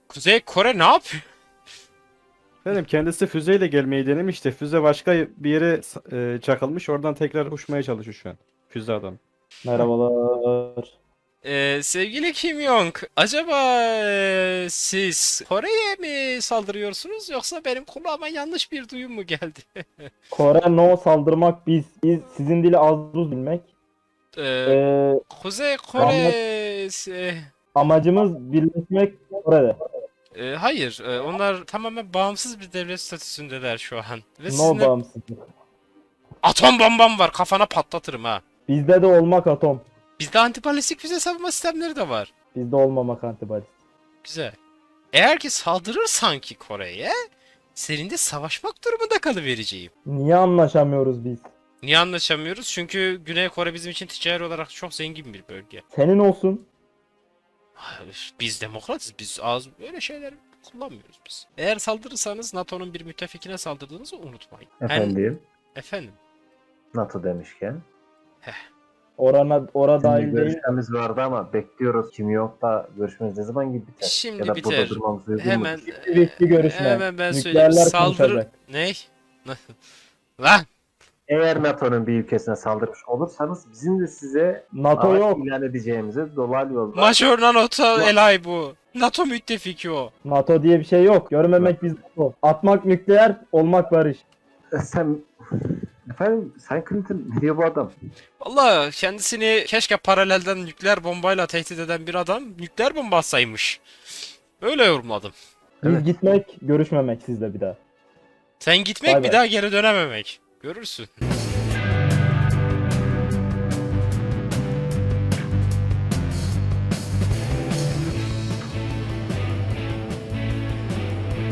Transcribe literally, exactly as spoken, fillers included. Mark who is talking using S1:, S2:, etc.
S1: Kuzey Kore ne yapıyor?
S2: Efendim kendisi füzeyle gelmeyi denemişti. Füze başka bir yere e, çakılmış. Oradan tekrar uçmaya çalışıyor şu an. Füze adam.
S3: Merhabalar.
S1: Ee, sevgili Kim Jong, acaba e, siz Kore'ye mi saldırıyorsunuz yoksa benim kulağıma yanlış bir duyum mu geldi?
S3: Kore no saldırmak biz. Biz sizin dili az buz bilmek.
S1: Ee,
S3: Ee,
S1: Kuzey Kore e,
S3: amacımız birleşmek Kore'de.
S1: e, hayır, e, onlar tamamen bağımsız bir devlet statüsündeler şu an. Ve
S3: No
S1: sizinle
S3: bağımsızlık.
S1: atom bombam var, kafana patlatırım ha.
S3: Bizde de olmak atom.
S1: Bizde antibalistik füze savunma sistemleri de var.
S3: Bizde olmamak antibody.
S1: Güzel. Eğer ki saldırırsan ki Kore'ye, senin de savaşmak durumunda kalıvereceğim.
S3: Niye anlaşamıyoruz biz?
S1: Niye anlaşamıyoruz? Çünkü Güney Kore bizim için ticari olarak çok zengin bir bölge.
S3: Senin olsun.
S1: Hayır, biz demokratız. Biz az öyle şeyler kullanmıyoruz biz. Eğer saldırırsanız NATO'nun bir müttefikine saldırdığınızı unutmayın. Hem-
S4: Efendim,
S1: efendim.
S4: NATO demişken.
S3: Orana, ora
S4: Şimdi
S3: dahil değil.
S4: görüşmemiz vardı ama bekliyoruz. Kim yok da görüşmemiz ne zaman gibi biter?
S1: Şimdi
S4: ya da
S1: biter.
S4: burada durmamız uygun
S1: Hemen
S4: mudur?
S3: Bitti, bitti görüşme.
S1: Hemen ben söyleyeyim.
S3: Nükleerler
S1: Saldırı...
S3: konuşacak.
S1: Ne? Lan!
S4: Eğer NATO'nun bir ülkesine saldırmış olursanız bizim de size
S3: NATO
S4: savaş
S3: yok.
S4: ilan edeceğimizi dolaylı yolda
S1: Major NATO Elay bu. NATO müttefiki o.
S3: NATO diye bir şey yok. Görmemek biz NATO. Atmak nükleer, olmak barış.
S4: sen efendim sen Clinton ne diyor bu adam?
S1: Valla kendisini keşke paralelden nükleer bombayla tehdit eden bir adam nükleer bomba atsaymış. Öyle yorumladım.
S3: Biz
S4: Evet.
S3: gitmek, görüşmemek sizle bir daha.
S1: Sen gitmek
S3: Bay
S1: bir
S3: bay.
S1: daha geri dönememek. Görürsün.